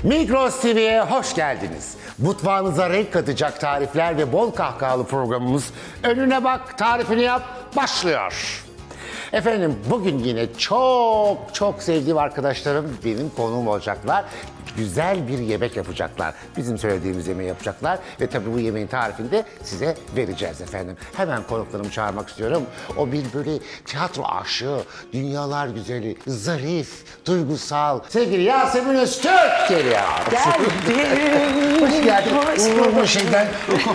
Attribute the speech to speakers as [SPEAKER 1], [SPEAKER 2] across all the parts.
[SPEAKER 1] Migros TV'ye hoş geldiniz. Mutfağınıza renk katacak tarifler ve bol kahkahalı programımız Önüne Bak, Tarifini Yap başlıyor. Efendim bugün yine çok sevdiğim arkadaşlarım benim konuğum olacaklar. Güzel bir yemek yapacaklar. Bizim söylediğimiz yemeği yapacaklar ve tabii bu yemeğin tarifini de size vereceğiz efendim. Hemen konuklarımı çağırmak istiyorum. O bir böyle tiyatro aşığı, dünyalar güzeli, zarif, duygusal, sevgili Yasemin Öztürk geliyor.
[SPEAKER 2] Geldim.
[SPEAKER 1] Hoş geldin.
[SPEAKER 2] Hoş bulduk.
[SPEAKER 1] Bu şeyden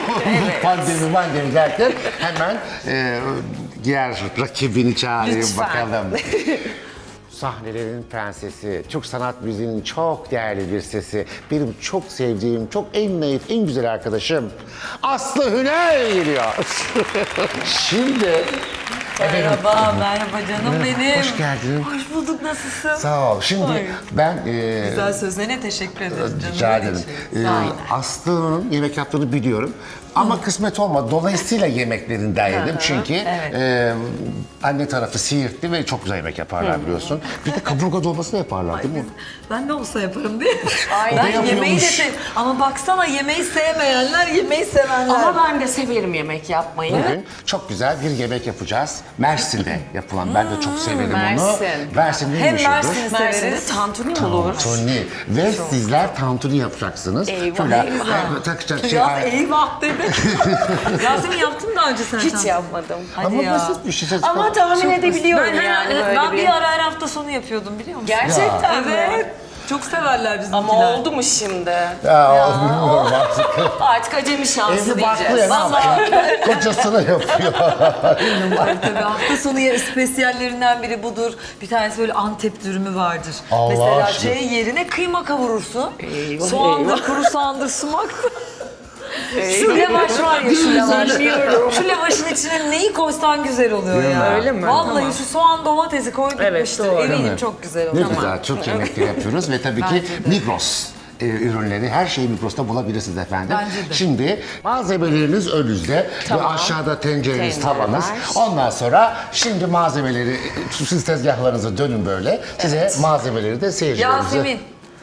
[SPEAKER 1] pandemi derken hemen diğer rakibini çağırayım
[SPEAKER 2] Lütfen.
[SPEAKER 1] bakalım. Sahnelerin prensesi, Türk sanat müziğinin çok değerli bir sesi, benim çok sevdiğim, çok en naif, en güzel arkadaşım Aslı Hünel geliyor. Şimdi...
[SPEAKER 2] Merhaba canım benim.
[SPEAKER 1] Hoş geldin.
[SPEAKER 2] Hoş bulduk, nasılsın?
[SPEAKER 1] Sağ ol. Şimdi
[SPEAKER 2] Ay.
[SPEAKER 1] ben...
[SPEAKER 2] Güzel sözlerine teşekkür ederim canım.
[SPEAKER 1] Rica ederim.
[SPEAKER 2] Aynen.
[SPEAKER 1] Aslı'nın yemek yaptığını biliyorum. Ama kısmet olmadı. Dolayısıyla yemeklerinden yedim. Çünkü
[SPEAKER 2] evet.
[SPEAKER 1] anne tarafı Siirtli ve çok güzel yemek yaparlar biliyorsun. Bir de kaburga dolması da yaparlar değil mi?
[SPEAKER 2] Ben ne olsa yaparım diye.
[SPEAKER 1] O da
[SPEAKER 2] Ben yemeği de
[SPEAKER 1] yapıyormuş.
[SPEAKER 2] seviyorum. Ama baksana, yemeği sevmeyenler, yemeği sevenler.
[SPEAKER 3] Ama ben de severim yemek yapmayı.
[SPEAKER 1] Bugün çok güzel bir yemek yapacağız. Mersin'de yapılan. Ben de çok severim onu.
[SPEAKER 3] Mersin.
[SPEAKER 1] Mersin
[SPEAKER 2] Hem
[SPEAKER 1] meşhurdur?
[SPEAKER 2] Mersin'i
[SPEAKER 3] Mersin'de
[SPEAKER 2] severiz.
[SPEAKER 3] tantuni mi olur?
[SPEAKER 1] Tantuni. Ve sizler tantuni yapacaksınız.
[SPEAKER 3] Eyvah,
[SPEAKER 1] Şöyle
[SPEAKER 3] eyvah.
[SPEAKER 1] takacak şey.
[SPEAKER 2] Biraz eyvah dedi. Yasemin, yaptın mı daha önce sen?
[SPEAKER 3] Hiç yapmadım.
[SPEAKER 2] Hadi
[SPEAKER 1] Ama
[SPEAKER 2] ya.
[SPEAKER 1] basit bir şey.
[SPEAKER 3] Ama tahmin edebiliyorum
[SPEAKER 2] Ben,
[SPEAKER 3] yani böyle
[SPEAKER 2] ben
[SPEAKER 3] bir.
[SPEAKER 2] bir ara her hafta sonu yapıyordum, biliyor musun?
[SPEAKER 3] Gerçekten mi?
[SPEAKER 2] Evet. Çok severler bizimkiler.
[SPEAKER 3] Ama oldu mu şimdi?
[SPEAKER 1] Ya, bilmiyorum artık.
[SPEAKER 3] Artık acemi şansı
[SPEAKER 1] Evli barklı ya
[SPEAKER 3] diyeceğiz.
[SPEAKER 1] ne yapıyor? Kocasına yapıyor.
[SPEAKER 2] Tabii hafta sonu spesiyallerinden biri budur. Bir tanesi böyle Antep dürümü vardır.
[SPEAKER 1] Allah
[SPEAKER 2] Mesela
[SPEAKER 1] aşkına.
[SPEAKER 2] yerine kıyma kavurursun.
[SPEAKER 3] Eyvah,
[SPEAKER 2] Soğandır,
[SPEAKER 3] eyvah.
[SPEAKER 2] kuru soğandır, sumaktır. Şu lavaş var ya, şu lavaş.
[SPEAKER 3] Bilmiyorum.
[SPEAKER 2] Şu lavaşın içine neyi koysan güzel oluyor
[SPEAKER 1] Değil
[SPEAKER 2] ya.
[SPEAKER 1] mi?
[SPEAKER 3] Öyle mi?
[SPEAKER 2] Vallahi
[SPEAKER 3] Tamam.
[SPEAKER 2] şu soğan domatesi koyduk
[SPEAKER 3] Evet,
[SPEAKER 2] bitmiştir.
[SPEAKER 3] doğru.
[SPEAKER 1] Değil
[SPEAKER 2] Eminim
[SPEAKER 1] mi?
[SPEAKER 2] çok güzel
[SPEAKER 1] Ne
[SPEAKER 2] oluyor.
[SPEAKER 1] güzel, Türk yemekleri yapıyoruz ve tabii ki
[SPEAKER 2] Bence de.
[SPEAKER 1] Migros ürünleri, her şeyi Migros'ta bulabilirsiniz efendim.
[SPEAKER 2] Bence de.
[SPEAKER 1] Şimdi malzemeleriniz önünüzde ve aşağıda tencereniz,
[SPEAKER 3] Tencere
[SPEAKER 1] tavanız.
[SPEAKER 3] var.
[SPEAKER 1] Ondan sonra şimdi malzemeleri, siz tezgahlarınızı dönün böyle. Size malzemeleri de seyircilerimize...
[SPEAKER 2] Yasemin.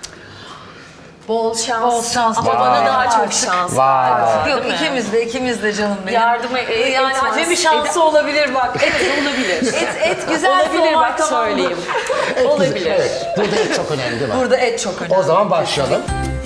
[SPEAKER 3] Bol şans.
[SPEAKER 2] Bol şans.
[SPEAKER 3] Ama
[SPEAKER 2] Vay.
[SPEAKER 3] bana daha çok şans
[SPEAKER 1] Vay.
[SPEAKER 3] var.
[SPEAKER 2] Yok,
[SPEAKER 3] değil mi?
[SPEAKER 2] ikimiz de canım benim.
[SPEAKER 3] Yardıma
[SPEAKER 2] yani
[SPEAKER 3] etmez.
[SPEAKER 2] acemi şansı olabilir bak.
[SPEAKER 3] Olabilir.
[SPEAKER 2] Et güzel
[SPEAKER 3] Olabilir
[SPEAKER 2] soğan,
[SPEAKER 3] bak
[SPEAKER 2] tamam mı?
[SPEAKER 3] söyleyeyim.
[SPEAKER 1] Evet,
[SPEAKER 3] Olabilir.
[SPEAKER 1] Evet, burada et çok önemli değil mi?
[SPEAKER 2] Burada et çok önemli.
[SPEAKER 1] O zaman başlayalım.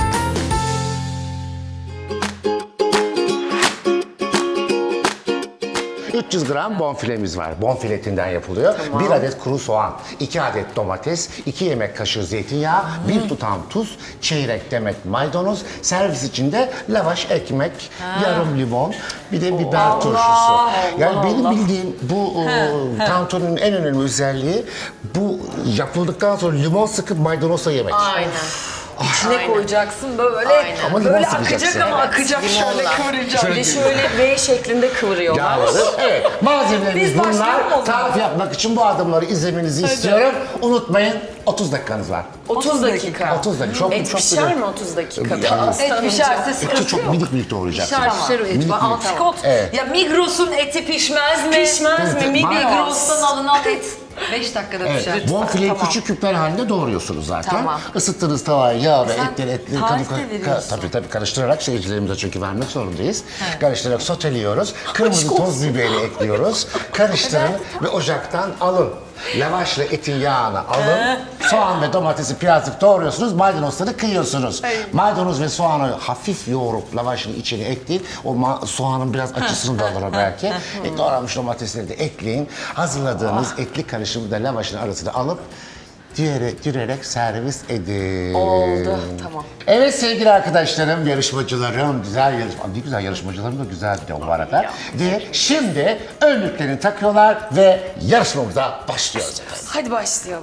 [SPEAKER 1] ...300 gram bonfilemiz var. Bonfile etinden yapılıyor. 1 adet kuru soğan, 2 adet domates, 2 yemek kaşığı zeytinyağı, 1 tutam tuz, çeyrek demet maydanoz, servis içinde lavaş, ekmek, yarım limon, bir de biber turşusu. Yani benim bildiğim bu tantuninin en önemli özelliği... ...bu yapıldıktan sonra limon sıkıp maydanozla yemek.
[SPEAKER 3] Aynen.
[SPEAKER 2] İçine
[SPEAKER 3] Aynen.
[SPEAKER 2] koyacaksın böyle.
[SPEAKER 3] Aynen.
[SPEAKER 1] Ama limon
[SPEAKER 2] Böyle
[SPEAKER 1] sıkacaksın.
[SPEAKER 2] akacak ama
[SPEAKER 3] Evet,
[SPEAKER 2] akacak, şöyle
[SPEAKER 3] limonla.
[SPEAKER 2] kıvıracak.
[SPEAKER 3] Bir de şöyle V şeklinde kıvırıyorlar.
[SPEAKER 1] Yağları. Evet, malzemelerimiz
[SPEAKER 2] Biz başlayalım o
[SPEAKER 1] bunlar.
[SPEAKER 2] zaman.
[SPEAKER 1] Tarif yapmak için bu adımları izlemenizi istiyorum. Unutmayın, 30 dakikanız var.
[SPEAKER 3] 30 dakika.
[SPEAKER 1] 30 dakika. Çok,
[SPEAKER 3] Et
[SPEAKER 1] çok
[SPEAKER 3] pişer
[SPEAKER 1] güzel.
[SPEAKER 3] mi 30 dakikada?
[SPEAKER 1] Yani-
[SPEAKER 2] Et pişerse
[SPEAKER 1] Eti
[SPEAKER 2] sıkıntı
[SPEAKER 1] çok
[SPEAKER 2] yok.
[SPEAKER 1] minik minik doğrayacaksınız.
[SPEAKER 2] Pişer o et.
[SPEAKER 1] Minik minik.
[SPEAKER 2] Antikot.
[SPEAKER 1] Evet.
[SPEAKER 2] Ya Migros'un eti pişmez mi?
[SPEAKER 3] Pişmez mi?
[SPEAKER 1] Evet,
[SPEAKER 2] Migros'tan alınan et 5 dakikada pişer.
[SPEAKER 1] Evet, bonfileyi küçük küpler halinde doğruyorsunuz zaten.
[SPEAKER 3] Tamam.
[SPEAKER 1] Isıttığınız tavaya yağ ve
[SPEAKER 2] Sen
[SPEAKER 1] etleri
[SPEAKER 2] tarif de veriyorsun.
[SPEAKER 1] tabii karıştırarak seyircilerimize çünkü vermek zorundayız. Karıştırarak soteliyoruz. Kırmızı toz biberi ekliyoruz. Karıştırın ve ocaktan alın. Lavaşla etin yağını alın. Soğan ve domatesi birazcık doğruyorsunuz. Maydanozları kıyıyorsunuz. Maydanoz ve soğanı hafif yoğurup lavaşın içine ekleyin. O soğanın biraz acısını da alır belki. Doğranmış domatesleri de ekleyin. Hazırladığınız etli karışımı da lavaşın arasına alıp dürerek servis edin.
[SPEAKER 3] Oldu, tamam.
[SPEAKER 1] Evet sevgili arkadaşlarım, yarışmacılarım, ne güzel yarışmacılarım da güzel bir de bu arada. Ve şimdi önlüklerini takıyorlar ve yarışmamıza başlıyoruz efendim.
[SPEAKER 3] Hadi başlayalım.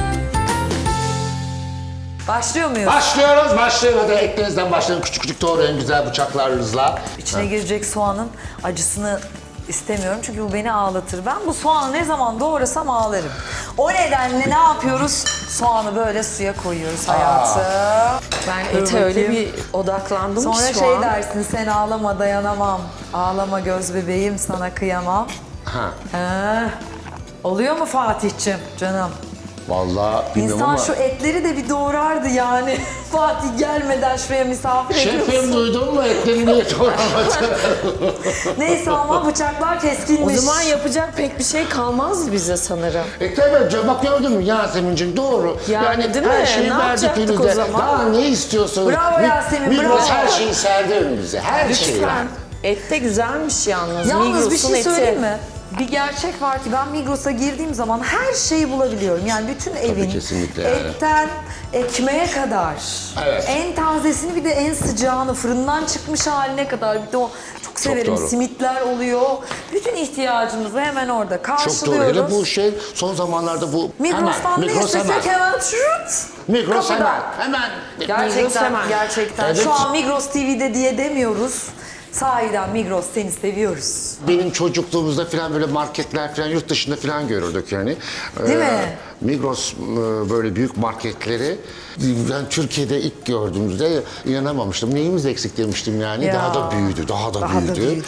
[SPEAKER 2] Başlıyor muyuz?
[SPEAKER 1] Başlıyoruz. Hadi eklerinizden başlayın. Küçük küçük doğrayın güzel bıçaklarınızla.
[SPEAKER 2] İçine girecek soğanın acısını istemiyorum çünkü bu beni ağlatır. Ben bu soğanı ne zaman doğrasam ağlarım. O nedenle ne yapıyoruz? Soğanı böyle suya koyuyoruz hayatım.
[SPEAKER 3] Ben
[SPEAKER 2] Dur
[SPEAKER 3] ete öyle
[SPEAKER 2] bakayım.
[SPEAKER 3] bir odaklandım
[SPEAKER 2] Sonra
[SPEAKER 3] ki şu
[SPEAKER 2] şey
[SPEAKER 3] an.
[SPEAKER 2] dersin, sen ağlama dayanamam. Ağlama göz bebeğim, sana kıyamam.
[SPEAKER 1] Ha.
[SPEAKER 2] Oluyor mu Fatih'cim canım?
[SPEAKER 1] Vallahi bilmiyorum
[SPEAKER 2] İnsan
[SPEAKER 1] ama...
[SPEAKER 2] şu etleri de bir doğrardı yani. Fatih gelmeden şuraya misafir ediyorsun.
[SPEAKER 1] Şefim duydun mu etlerini niye doğramadı?
[SPEAKER 2] Neyse ama bıçaklar keskinmiş.
[SPEAKER 3] O zaman yapacak pek bir şey kalmazdı bize sanırım.
[SPEAKER 1] Tabii canım, bak gördün mü Yasemin'ciğim, doğru.
[SPEAKER 3] Yani değil
[SPEAKER 1] her
[SPEAKER 3] mi?
[SPEAKER 1] şeyi
[SPEAKER 3] Ne
[SPEAKER 1] verdik
[SPEAKER 3] yapacaktık
[SPEAKER 1] önünüze.
[SPEAKER 3] o zaman?
[SPEAKER 1] Daha ne istiyorsunuz?
[SPEAKER 2] Bravo Yasemin,
[SPEAKER 1] Migros
[SPEAKER 2] bravo.
[SPEAKER 1] her şeyi serdi önümüze. Her şeyi.
[SPEAKER 3] Lütfen. Et de güzelmiş yalnız.
[SPEAKER 2] Yalnız bir
[SPEAKER 3] Migros'un
[SPEAKER 2] şey
[SPEAKER 3] eti.
[SPEAKER 2] söyleyeyim mi? Bir gerçek var ki ben Migros'a girdiğim zaman her şeyi bulabiliyorum. Yani bütün evin
[SPEAKER 1] kesinlikle yani.
[SPEAKER 2] etten ekmeğe kadar.
[SPEAKER 1] Evet.
[SPEAKER 2] En tazesini bir de en sıcağını fırından çıkmış haline kadar. Bir de o çok severim.
[SPEAKER 1] doğru.
[SPEAKER 2] Simitler oluyor. Bütün ihtiyacımızı hemen orada
[SPEAKER 1] Çok doğru.
[SPEAKER 2] karşılıyoruz.
[SPEAKER 1] Hele bu şey son zamanlarda bu
[SPEAKER 2] Migros'tan ne
[SPEAKER 1] Migros hemen.
[SPEAKER 2] istesek hemen şut.
[SPEAKER 1] Migros
[SPEAKER 2] kapıda.
[SPEAKER 1] hemen.
[SPEAKER 3] Migros
[SPEAKER 2] Gerçekten,
[SPEAKER 3] hemen.
[SPEAKER 2] gerçekten.
[SPEAKER 1] Evet.
[SPEAKER 2] Şu an Migros TV'de diye demiyoruz. Sahiden Migros seni seviyoruz.
[SPEAKER 1] Benim çocukluğumuzda falan böyle marketler falan yurt dışında falan görürdük yani.
[SPEAKER 2] Değil mi?
[SPEAKER 1] Migros böyle büyük marketleri ben Türkiye'de ilk gördüğümüzde inanamamıştım. Neyimiz eksik demiştim yani.
[SPEAKER 2] Ya.
[SPEAKER 1] Daha da büyüdü, daha da
[SPEAKER 2] Daha
[SPEAKER 1] büyüdü.
[SPEAKER 2] da büyüdü.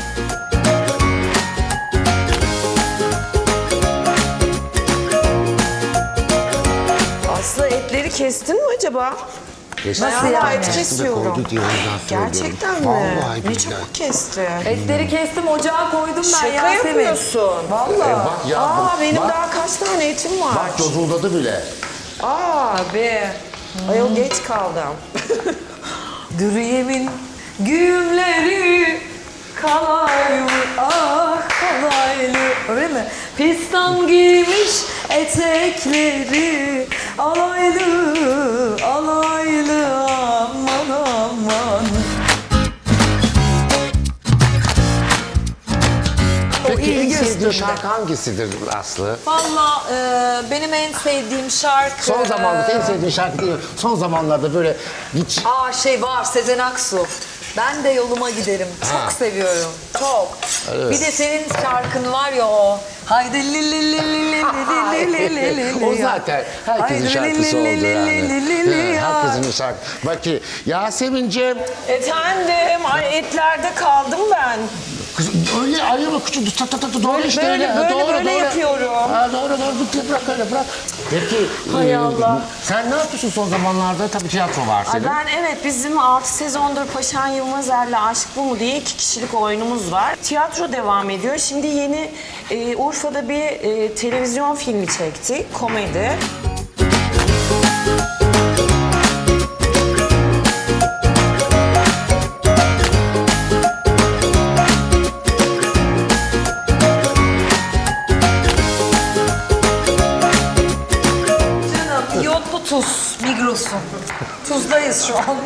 [SPEAKER 3] Aslı etleri kestin mi acaba?
[SPEAKER 1] Kesin.
[SPEAKER 2] Nasıl
[SPEAKER 3] Ben hala
[SPEAKER 2] yani?
[SPEAKER 3] et kesiyorum.
[SPEAKER 1] Koydu diye ondan söylüyorum.
[SPEAKER 3] Gerçekten mi?
[SPEAKER 1] Vallahi
[SPEAKER 3] Ne
[SPEAKER 1] billahi.
[SPEAKER 3] çabuk kesti.
[SPEAKER 2] Etleri kestim, ocağa koydum ben
[SPEAKER 3] Şaka
[SPEAKER 2] Yasemin.
[SPEAKER 3] yapıyorsun.
[SPEAKER 2] Vallahi.
[SPEAKER 1] Bak ya,
[SPEAKER 3] Aa benim
[SPEAKER 1] bak,
[SPEAKER 3] daha kaç tane etim var.
[SPEAKER 1] bak cozuldadı bile.
[SPEAKER 3] Aa be. Ayol geç kaldım.
[SPEAKER 2] Dürüyemin güğümleri kalaylı, ah kalaylı. Öyle mi? Pistan giymiş etekleri alaylı, alaylı, aman aman.
[SPEAKER 1] Peki en
[SPEAKER 2] ilgi
[SPEAKER 1] sevdiğin
[SPEAKER 2] üstünde.
[SPEAKER 1] şarkı hangisidir Aslı?
[SPEAKER 2] Valla benim en sevdiğim şarkı...
[SPEAKER 1] Son zamanlarda en sevdiğin şarkı değil mi? Son zamanlarda böyle hiç...
[SPEAKER 2] Aa şey var, Sezen Aksu. Ben de yoluma giderim. Çok
[SPEAKER 1] Ha.
[SPEAKER 2] seviyorum. Çok.
[SPEAKER 1] Evet.
[SPEAKER 2] Bir de senin şarkın var ya o. Haydi li li li li li li li li li li.
[SPEAKER 1] O zaten herkesin
[SPEAKER 2] Haydi
[SPEAKER 1] şarkısı
[SPEAKER 2] li li
[SPEAKER 1] oldu
[SPEAKER 2] li
[SPEAKER 1] yani.
[SPEAKER 2] li li li.
[SPEAKER 1] Ha, herkesin şarkısı. Bak ki Yasemin'ciğim,
[SPEAKER 3] Efendim, ay etlerde kaldım ben.
[SPEAKER 1] kız öyle ayırma küçük doğru
[SPEAKER 3] Böyle,
[SPEAKER 1] işte
[SPEAKER 3] böyle,
[SPEAKER 1] öyle.
[SPEAKER 3] böyle,
[SPEAKER 1] doğru,
[SPEAKER 3] böyle
[SPEAKER 1] doğru.
[SPEAKER 3] yapıyorum.
[SPEAKER 1] Ha, doğru bırak öyle bırak. Peki
[SPEAKER 3] Hay Allah.
[SPEAKER 1] sen ne yapıyorsun son zamanlarda? Tabii tiyatro var
[SPEAKER 3] Ay
[SPEAKER 1] senin.
[SPEAKER 3] ben evet bizim 6 sezondur Paşan Yılmazer'le Aşk Bu Mu diye 2 kişilik oyunumuz var. Tiyatro devam ediyor. Şimdi yeni Urfa'da bir televizyon filmi çektik. Komedi.
[SPEAKER 2] Canım iyotlu tuz Migros'un. Tuzdayız şu an.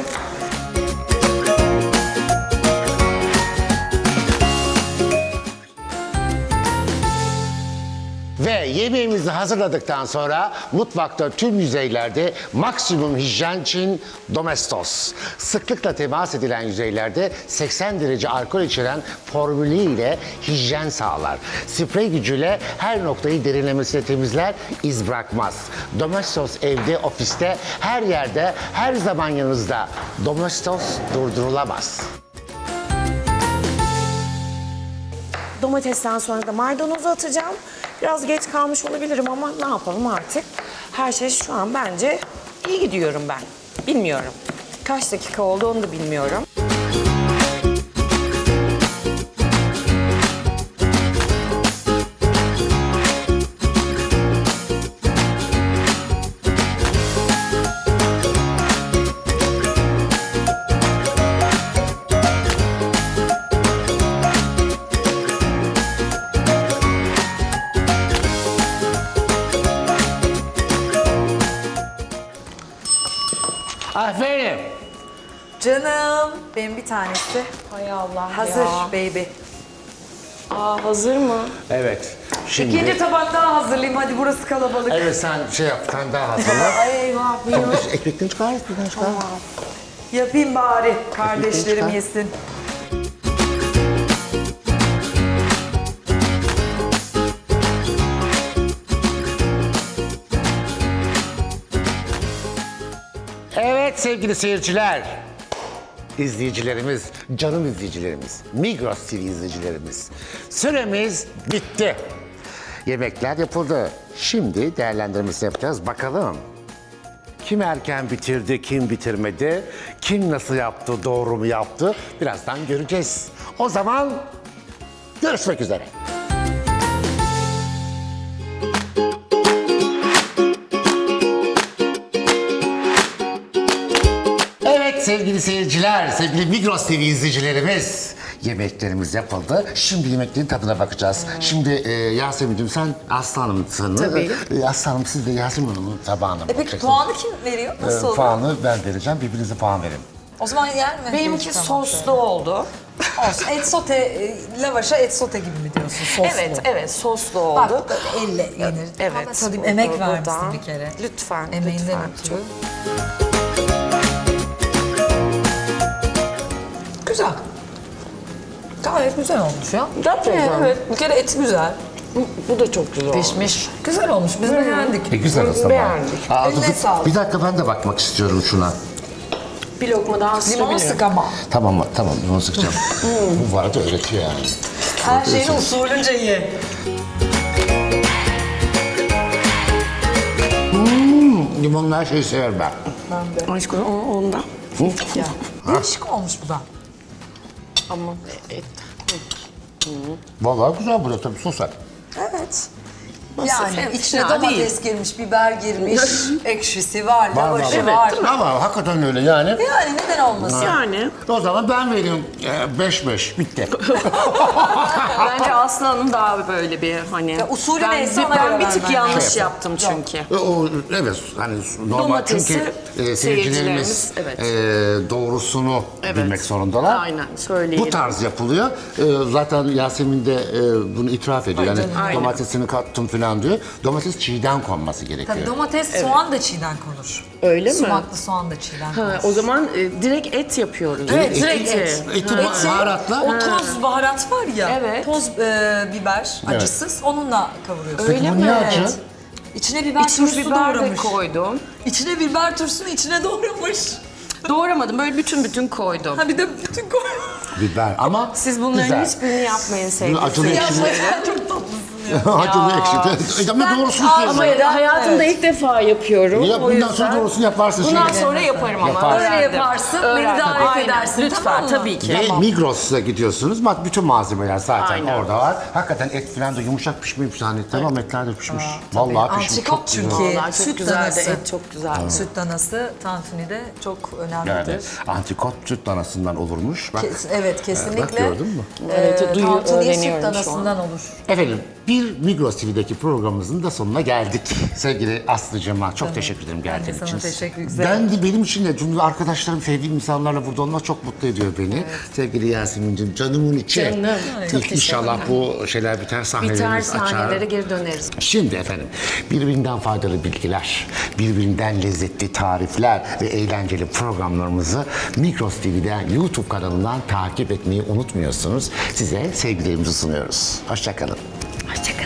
[SPEAKER 1] Ve yemeğimizi hazırladıktan sonra mutfakta tüm yüzeylerde maksimum hijyen için Domestos. Sıklıkla temas edilen yüzeylerde 80 derece alkol içeren formülü ile hijyen sağlar. Sprey gücüyle her noktayı derinlemesine temizler, iz bırakmaz. Domestos evde, ofiste, her yerde, her zaman yanınızda. Domestos durdurulamaz.
[SPEAKER 3] Domatesten sonra da maydanozu atacağım. Biraz geç kalmış olabilirim ama ne yapalım artık. Her şey şu an bence iyi gidiyorum ben. Bilmiyorum. Kaç dakika oldu onu da bilmiyorum.
[SPEAKER 1] Aferin.
[SPEAKER 2] Canım benim bir tanesi.
[SPEAKER 3] Hay Allah
[SPEAKER 2] Hazır
[SPEAKER 3] ya.
[SPEAKER 2] baby.
[SPEAKER 3] Aa hazır mı?
[SPEAKER 1] Evet. Şimdi...
[SPEAKER 2] İkinci tabak daha hazırlayayım. Hadi burası kalabalık.
[SPEAKER 1] Evet sen şey yap, sen daha hazırla.
[SPEAKER 3] Ay eyvah benim.
[SPEAKER 1] Ekmekten çıkar, ekmekten çıkar.
[SPEAKER 2] Yapayım bari. Kardeşlerim
[SPEAKER 1] çıkar.
[SPEAKER 2] yesin.
[SPEAKER 1] Evet sevgili seyirciler, izleyicilerimiz, canım izleyicilerimiz, Migros TV izleyicilerimiz. Süremiz bitti. Yemekler yapıldı. Şimdi değerlendirmesini yapacağız. Bakalım kim erken bitirdi, kim bitirmedi, kim nasıl yaptı, doğru mu yaptı? Birazdan göreceğiz. O zaman görüşmek üzere. Evet sevgili seyirciler, sevgili Migros TV izleyicilerimiz. Yemeklerimiz yapıldı. Şimdi yemeklerin tadına bakacağız. Şimdi Yasemin'cim sen Aslı Hanım'sın.
[SPEAKER 3] Tabii.
[SPEAKER 1] Aslı Hanım siz de Yasemin Hanım'ın tabağına
[SPEAKER 2] Peki
[SPEAKER 1] bakacaksınız.
[SPEAKER 2] puanı kim veriyor? Nasıl olur?
[SPEAKER 1] Puanı ben vereceğim. Birbirinize puan verin.
[SPEAKER 2] O zaman yer mi?
[SPEAKER 3] Benimki
[SPEAKER 2] Tamam,
[SPEAKER 3] soslu
[SPEAKER 2] şöyle.
[SPEAKER 3] oldu.
[SPEAKER 2] Olsun. Et sote, lavaşa et sote gibi mi diyorsun? Soslu.
[SPEAKER 3] Evet, soslu
[SPEAKER 2] Bak
[SPEAKER 3] oldu.
[SPEAKER 2] elle yenir.
[SPEAKER 3] Evet.
[SPEAKER 2] Ama tadayım, emek
[SPEAKER 3] burada.
[SPEAKER 2] vermişsin bir kere.
[SPEAKER 3] Lütfen,
[SPEAKER 2] Emeğinden
[SPEAKER 3] lütfen.
[SPEAKER 2] ötürü. Güzel. Gayet güzel olmuş ya.
[SPEAKER 3] Gerçekten.
[SPEAKER 2] Evet, bir kere eti güzel.
[SPEAKER 3] Bu da çok güzel oldu.
[SPEAKER 2] Pişmiş. Güzel olmuş, biz beğendik.
[SPEAKER 1] Güzel aslında.
[SPEAKER 3] Beğendik.
[SPEAKER 2] Eline sağlık.
[SPEAKER 1] Bir dakika ben de bakmak istiyorum şuna.
[SPEAKER 3] Bir lokma daha
[SPEAKER 2] Limon
[SPEAKER 3] sürebilirim.
[SPEAKER 2] sık ama.
[SPEAKER 1] Tamam limon sıkacağım. Bu vardı öğretiyor yani.
[SPEAKER 2] Her şeyini usulünce ye.
[SPEAKER 1] Limonlu her şeyi severim ben.
[SPEAKER 3] Aşkım ondan.
[SPEAKER 2] Ya. Değişik olmuş bu da.
[SPEAKER 3] Ama et.
[SPEAKER 1] Vallahi güzel bu da tabii sos et.
[SPEAKER 2] Evet.
[SPEAKER 3] Yani
[SPEAKER 2] Yani içine
[SPEAKER 3] fena
[SPEAKER 2] domates girmiş, biber girmiş, ekşisi var,
[SPEAKER 1] Var,
[SPEAKER 2] lavaşı
[SPEAKER 1] var.
[SPEAKER 2] var.
[SPEAKER 1] Ama hakikaten öyle yani.
[SPEAKER 2] Yani neden olmasın?
[SPEAKER 3] Yani
[SPEAKER 1] O zaman ben vereyim 5-5 bitti.
[SPEAKER 3] bence Aslı Hanım daha böyle bir hani...
[SPEAKER 2] Ya usulü
[SPEAKER 3] ben,
[SPEAKER 2] neyse ona
[SPEAKER 3] ben
[SPEAKER 2] göre
[SPEAKER 3] bir tık
[SPEAKER 2] vermen
[SPEAKER 3] yanlış
[SPEAKER 1] lazım.
[SPEAKER 3] yaptım çünkü.
[SPEAKER 1] Evet hani normal
[SPEAKER 3] Domatesi
[SPEAKER 1] çünkü seyircilerimiz
[SPEAKER 3] seyircilerimiz, evet.
[SPEAKER 1] Doğrusunu
[SPEAKER 3] Evet.
[SPEAKER 1] bilmek zorundalar.
[SPEAKER 3] Aynen, söyleyelim.
[SPEAKER 1] Bu tarz yapılıyor. Zaten Yasemin de bunu itiraf ediyor. Yani
[SPEAKER 3] Aynen.
[SPEAKER 1] domatesini kattım falan diyor. Domates çiğden konması gerekiyor.
[SPEAKER 2] Tabii domates, soğan da çiğden konur.
[SPEAKER 3] Öyle mi?
[SPEAKER 2] Sumaklı soğan da çiğden konur.
[SPEAKER 3] Ha, o zaman direkt et yapıyoruz.
[SPEAKER 2] Evet,
[SPEAKER 1] Eti-
[SPEAKER 2] direkt et.
[SPEAKER 1] eti baharatla.
[SPEAKER 2] O toz baharat var ya,
[SPEAKER 3] Evet.
[SPEAKER 2] toz biber, acısız, onunla kavuruyorsun.
[SPEAKER 1] Peki bu niye acı?
[SPEAKER 2] İçine biber
[SPEAKER 3] İçine
[SPEAKER 2] turşusu
[SPEAKER 3] biber de
[SPEAKER 2] doğramış.
[SPEAKER 3] koydum.
[SPEAKER 2] İçine biber turşusunu içine doğramış.
[SPEAKER 3] Doğramadım, böyle bütün koydum.
[SPEAKER 2] Ha bir de bütün koy.
[SPEAKER 1] Biber ama
[SPEAKER 3] Siz bunların
[SPEAKER 1] güzel.
[SPEAKER 3] hiçbirini yapmayın sevgili
[SPEAKER 1] Acılı
[SPEAKER 3] seyirciler.
[SPEAKER 1] ekşili.
[SPEAKER 2] Ya çok tatlısın ya.
[SPEAKER 1] Acılı ekşili. Ama doğrusunu
[SPEAKER 3] Ama
[SPEAKER 1] söylüyorum.
[SPEAKER 3] hayatımda ilk defa yapıyorum.
[SPEAKER 1] Ya
[SPEAKER 3] o
[SPEAKER 1] bundan
[SPEAKER 3] yüzden.
[SPEAKER 1] sonra doğrusunu yaparsın.
[SPEAKER 3] Bundan
[SPEAKER 1] şimdi.
[SPEAKER 3] sonra yaparım ama.
[SPEAKER 1] Yaparsın.
[SPEAKER 2] Öyle
[SPEAKER 3] öğrendim.
[SPEAKER 2] yaparsın, beni
[SPEAKER 3] Öğrendim.
[SPEAKER 2] davet
[SPEAKER 3] Aynen,
[SPEAKER 2] edersin,
[SPEAKER 3] lütfen,
[SPEAKER 2] tamam mı?
[SPEAKER 3] tabii ki.
[SPEAKER 1] Ve Migros'a gidiyorsunuz. Bak bütün malzemeler zaten
[SPEAKER 3] Aynen.
[SPEAKER 1] orada var. Hakikaten et falan da yumuşak pişmemiş hani. Tamam etler de pişmiş. Vallahi pişmiş.
[SPEAKER 2] Antrikot
[SPEAKER 1] Çok
[SPEAKER 2] çünkü.
[SPEAKER 1] güzel.
[SPEAKER 3] Vallahi çok
[SPEAKER 2] Süt
[SPEAKER 3] güzeldi,
[SPEAKER 2] danası.
[SPEAKER 3] et çok güzel.
[SPEAKER 2] Süt danası tantunide çok önemlidir.
[SPEAKER 1] Yani antrikot süt danasından olurmuş. Bak,
[SPEAKER 2] Evet kesinlikle.
[SPEAKER 1] bak gördün mü?
[SPEAKER 3] Evet,
[SPEAKER 2] Tantuni süt
[SPEAKER 3] öğreniyorum şu an.
[SPEAKER 2] danasından olur.
[SPEAKER 1] Efendim bir Migros TV'deki programımızın da sonuna geldik. Sevgili Aslı'cığıma çok teşekkür ederim
[SPEAKER 2] Ben de
[SPEAKER 1] geldiğin
[SPEAKER 2] sana
[SPEAKER 1] için.
[SPEAKER 2] teşekkür ederim.
[SPEAKER 1] Ben de benim için de çünkü arkadaşlarım, sevdiğim insanlarla burada olmak çok mutlu ediyor beni. Sevgili Yasemin'ciğim canımın içi.
[SPEAKER 3] Canım. Çok
[SPEAKER 1] İnşallah bu şeyler biter,
[SPEAKER 3] Biter
[SPEAKER 1] sahnelerimiz açar.
[SPEAKER 3] sahnelere geri döneriz.
[SPEAKER 1] Şimdi efendim birbirinden faydalı bilgiler, birbirinden lezzetli tarifler ve eğlenceli programlarımızı Migros TV'den YouTube kanalından takip etmeyi unutmuyorsunuz. Size sevgilerimizi sunuyoruz. Hoşça kalın.
[SPEAKER 3] Hoşçakalın.